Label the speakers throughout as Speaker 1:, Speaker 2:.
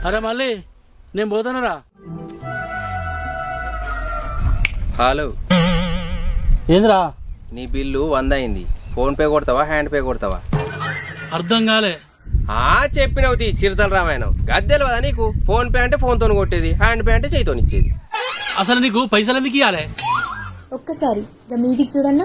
Speaker 1: అరే మళ్ళీ నేను పోతానరా.
Speaker 2: హలో,
Speaker 1: ఏంద్రా?
Speaker 2: నీ బిల్లు 100 అయింది. ఫోన్ పే కొడతావా, హ్యాండ్ పే కొడతావా?
Speaker 1: అర్థం కాలే.
Speaker 2: చెప్పినవుతి చిరుతల రామాయణం గద్దెలు కదా నీకు. ఫోన్ పే అంటే ఫోన్తో కొట్టేది, హ్యాండ్ పే అంటే చేయితో ఇచ్చేది.
Speaker 1: అసలు నీకు పైసలు ఎందుకు ఇవ్వాలి?
Speaker 3: ఒక్కసారి మీదికి చూడన్నా.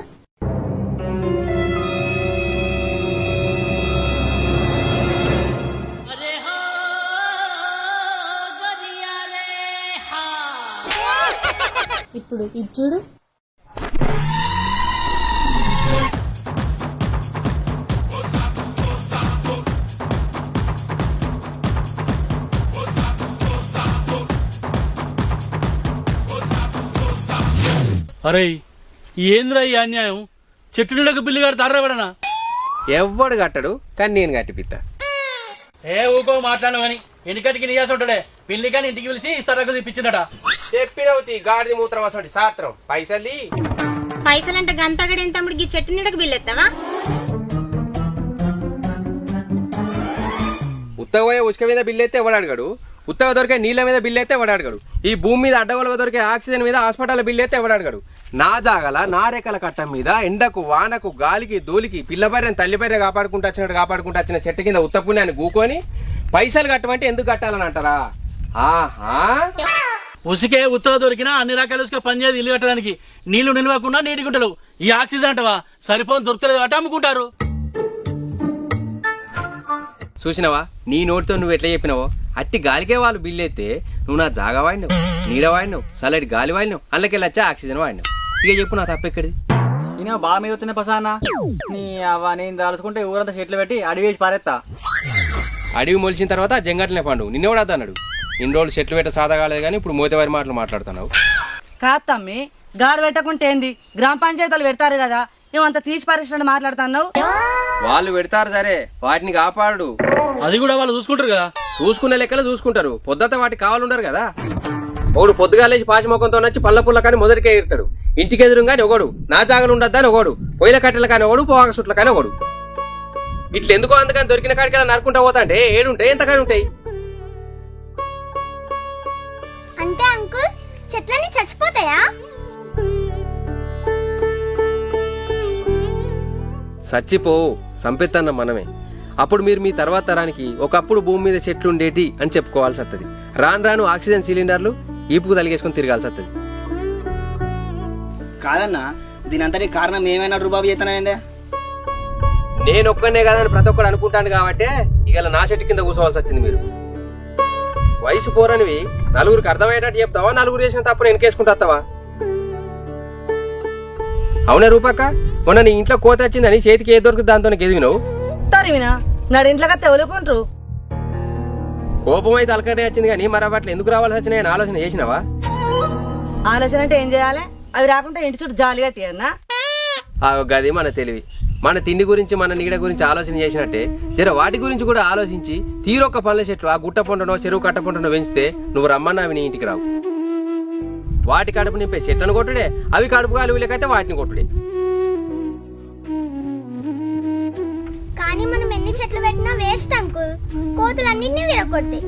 Speaker 3: ఇప్పుడు ఇది చూడు.
Speaker 1: అరే ఏంద్రా ఈ అన్యాయం? చెట్టు నీడకు బిల్లు కడతారా ఎవడనా?
Speaker 2: ఎవ్వడు కట్టడు, కానీ నేను కట్టిపిత్తా.
Speaker 1: ఊకో మాట్లాడను అని ఎన్నికటికి నీయాసి ఉంటాడే. పిల్లి కానీ ఇంటికి పిలిచి ఇస్తారకు తెప్పించిందట.
Speaker 2: చెప్పినవుతి గాడిది మూత్రం అసలు సాత్రం.
Speaker 4: పైసలంటే గంతగడ ఎంత తమ్ముడికి చెట్టు నీడకు బిల్లు ఎత్తావా?
Speaker 2: ఉత్తగ పోయే ఉసుక మీద బిల్లు అయితే ఎవడు అడగడు, ఉత్తగ దొరికే నీళ్ల మీద బిల్లు అయితే ఎవడు అడగడు, ఈ భూమి మీద అడ్డగోలుగా దొరికే ఆక్సిజన్ మీద హాస్పిటల్ బిల్లు అయితే ఎవడు అడగడు. నా జాగల నా రేఖల కట్టం మీద ఎండకు వానకు గాలికి ధూళికి పిల్లబర్రెని తల్లిబర్రె కాపాడుకుంటూ వచ్చిన చెట్టు కింద ఉత్తపుణ్యాన్ని గూకొని పైసలు కట్టమంటే ఎందుకు కట్టాలని అంటారా? ఆహా,
Speaker 1: ఉసికే ఉత్తర దొరికినా అన్ని రకాల ఉసుక పనిచేది ఇల్లు కట్టడానికి. నీళ్లు నిలవకుండా నీటి గుంటలు. ఈ ఆక్సిజన్ అంటవా సరిపోని దొరకలేదు అట్ట అమ్ముకుంటారు.
Speaker 2: చూసినవా నీ నోటితో నువ్వు ఎట్లా చెప్పినావో అట్టి గాలికే వాళ్ళు బిల్లు అయితే నువ్వు నా జాగా వాడినావు, నీడ వాడినావు, చల్లటి గాలి వాడినావు, అందులోకెళ్ళి వచ్చా ఆక్సిజన్ వాడినావు. ఇక చెప్పు నా తప్పెక్కడిది?
Speaker 5: నేను బాగా మీద వచ్చిన పసానా నీ అవ్వ నేను దాల్చుకుంటే ఊరంతా చెట్లు పెట్టి అడిగి వేసి పారేస్తా.
Speaker 2: అడవి మొలిచిన తర్వాత జంగట్లనే పండు నిన్నెవడా అన్నాడు? ఇన్ని రోజులు చెట్లు పెట్ట సాదా కాలేదు కానీ ఇప్పుడు మోతేవారి మాటలు మాట్లాడుతున్నావు.
Speaker 6: కాదు తమ్మి, గాడు పెట్టకుంటే ఏంది? గ్రామ పంచాయతీలు పెడతారు కదా, నువ్వంత తీసి పారేసినట్టు మాట్లాడుతున్నావు.
Speaker 2: వాళ్ళు పెడతారు సరే, వాటిని కాపాడు.
Speaker 1: అది కూడా వాళ్ళు చూసుకుంటారు కదా.
Speaker 2: చూసుకునే లెక్కలు చూసుకుంటారు, పొద్దుత వాటికి కావాలంటారు కదా. ఒకడు పొద్దుగాలేసి పాచి మొక్కంతో నచ్చి పళ్ళ పుల్ల కానీ మొదటికే ఎడతాడు. ఇంటికి ఎదురుగాని ఒకడు, నా జాగలు ఉండద్దని ఒకడు, పొయ్యిల కట్టెల కానీ ఒకడు, పోగా సుట్ల కానీ ఒకడు. ఇట్లా ఎందుకో అందుకని దొరికిన కాడికి నరుకుంటా పోతా అంటే ఏడుంటాయి ఎంతకాని ఉంటాయి.
Speaker 4: అంటే అంకుల్ చెట్లన్నీ చచ్చిపోతాయా?
Speaker 2: సచ్చిపోవు, సంపెత్తన్న మనమే. అప్పుడు మీరు మీ తర్వాత తరానికి ఒకప్పుడు భూమి మీద చెట్లు ఉండేటి అని చెప్పుకోవాల్సి వస్తుంది. రాను రాను ఆక్సిజన్ సిలిండర్లు ఈపుకు తలిగేసుకుని తిరగాల్సి వస్తుంది.
Speaker 5: కాదన్నా, దీని అంతటి కారణం ఏమైనా రూబాబు చేతనైందే?
Speaker 2: నేను ఒక్కనే కాదని ప్రతి ఒక్కడు అనుకుంటాను కాబట్టి ఇక నా చెట్టు కింద కూర్చోవాల్సి వచ్చింది. మీరు వయసు పోరనివి నలుగురికి అర్థమయ్యేటట్టు చెప్తావా, నలుగురు చేసిన తప్పుడు వెనకేసుకుంటావా? అవునా రూపక్క, మొన్న నీ ఇంట్లో కోత వచ్చిందని చేతికి ఏది దొరుకుతుంది దాంతో ఎదిగినావు.
Speaker 6: తరివినా నాడు ఇంట్లో తెవలుకుంటారు.
Speaker 2: కోపం అయితే అలకటే వచ్చింది కానీ మరి అట్లా ఎందుకు రావాల్సి వచ్చినాయని ఆలోచన చేసినావా?
Speaker 6: ఆలోచన అంటే ఏం చేయాలి? అవి రాకుండా ఇంటి చుట్టూ జాలి కట్టియన్నా.
Speaker 2: గది మన తెలివి. మన తిండి గురించి మన నీడ గురించి ఆలోచన చేసినట్టే జర వాటి గురించి కూడా ఆలోచించి తీరొక్క పళ్ళ చెట్లు ఆ గుట్ట పొండనో చెరువు కట్ట పొండనో పెంచితే నువ్వు రమ్మన్నా అవి నీ ఇంటికి రావు. వాటి కడుపు నింపే చెట్లను కొట్టుడే, అవి కడుపు గాలి లేకైతే వాటిని కొట్టుడే.
Speaker 4: కానీ మనం ఎన్ని చెట్లు పెట్టినా వేస్ట్ అంకుల్, కోతులన్నింటినీ విరగొట్టాయి.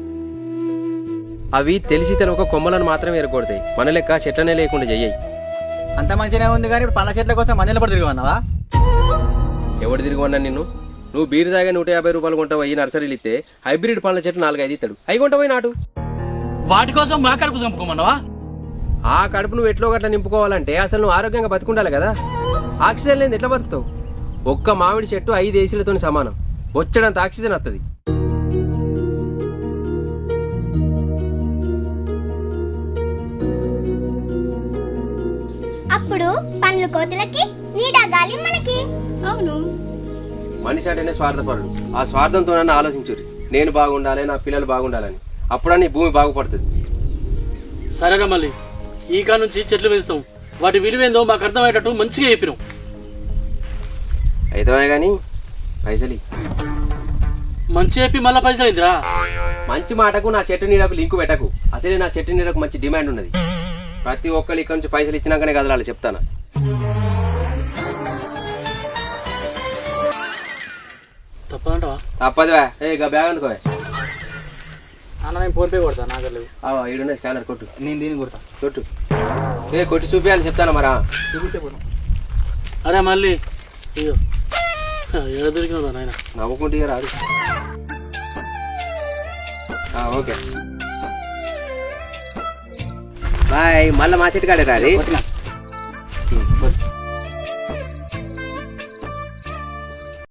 Speaker 2: అవి తెలిసి తెలవక కొమ్మలను మాత్రం ఎరగొడతాయి, మన లెక్క చెట్లనే లేకుండా చెయ్యి.
Speaker 5: అంత మంచిగానే ఉంది కానీ ఇప్పుడు పండ్ల చెట్ల కోసం మందిలో పడి తిరిగివన్నావా?
Speaker 2: ఎవడు తిరిగివన్నా నిన్ను? నువ్వు బీరు దాగా 150 రూపాయలు కొంటావు, ఈ నర్సరీలు ఇస్తే హైబ్రిడ్ పండ్ల చెట్లు 4-5 ఇస్తాడు, అవి కొంటావు నాటు.
Speaker 1: వాటి కోసం మా కడుపు చంపుకోమన్నావా?
Speaker 2: ఆ కడుపు నువ్వు ఎట్లో గట్లా నింపుకోవాలంటే అసలు నువ్వు ఆరోగ్యంగా బతుకుండాలి కదా. ఆక్సిజన్ లేని ఎట్లా బతుకుతావు? ఒక్క మామిడి చెట్టు 5 ఏసీలతో సమానం, వచ్చేటంత ఆక్సిజన్ వస్తుంది.
Speaker 4: అప్పుడు పండ్లు కోతులకి, నీడ గాలి మనకి. అవును,
Speaker 2: మనిషి అంటేనే స్వార్థపరుడు. ఆ స్వార్థంతో నన్ను ఆలోచించుర్రి, నేను బాగుండాలి, నా పిల్లలు బాగుండాలని. అప్పుడని భూమి బాగుపడుతుంది.
Speaker 1: సరేగా మళ్ళీ ఈ కాడ నుంచి చెట్లు పెంచుతాం, వాటి విలువేందో మాకు అర్థమయ్యేటట్టు మంచిగా చెప్పినాం.
Speaker 2: అయితే గాని పైసలు
Speaker 1: మంచి చెప్పి మళ్ళా పైసలు అయిందిరా.
Speaker 2: మంచి మాటకు నా చెట్టు నీడకు లింకు పెట్టకు. అసలే నా చెట్టు నీడకు మంచి డిమాండ్ ఉన్నది. ప్రతి ఒక్కరు ఇక్కడ నుంచి పైసలు ఇచ్చినాకనే కదలాలి, చెప్తానా?
Speaker 1: తప్పదంటవా?
Speaker 2: తప్పదువా? ఏ బ్యాగ్ అందుకో.
Speaker 5: అన్న నేను ఫోన్ పే కొడతా నాకు లేవు.
Speaker 2: ఈడున్న స్కానర్ కొట్టు.
Speaker 5: నేను దీన్ని కొడతా.
Speaker 2: కొట్టు. కొట్టి చూపించాలి చెప్తాను మరా.
Speaker 5: చూపిస్తే పోను.
Speaker 1: అరే మళ్ళీ అయ్యో ఏడ దొరికినా నాయన.
Speaker 2: నవ్వుకుంటే రాదు. Okay bye. మళ్ళీ మా చెట్టు కాడే రాది.